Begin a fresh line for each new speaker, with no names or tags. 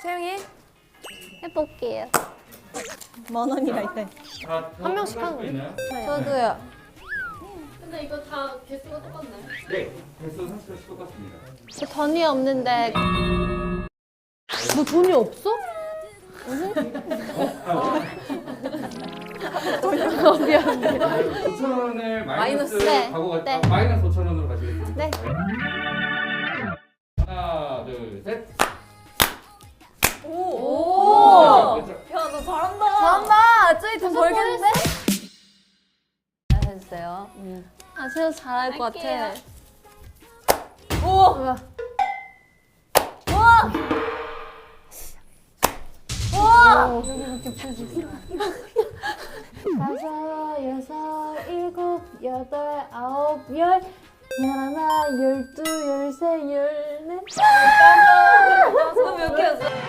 채영이 해볼게요.
10,000원이라 했대.
한 명씩 하는 거예요?
있나요?
저도요.
근데 이거 다 개수가 똑같나요?
네, 개수 30개씩 똑같습니다.
저 돈이 없는데. 너 돈이 없어? 미안.
5,000원을 마이너스
네.
가고 갔다
네.
마이너스 5,000원으로 가시겠습니다.
네.
하나, 둘, 셋.
오!
자,
야, 너 잘한다.
잘한다. 저희 돈 벌겠는데? 해주세요. 아, 진짜 잘할 것 같아. 우와. 우와. 우와. 다섯, 여섯, 일곱, 여덟, 아홉, 열, 열하나, 열두, 열세, 열넷, 열다섯. 몇 개였어?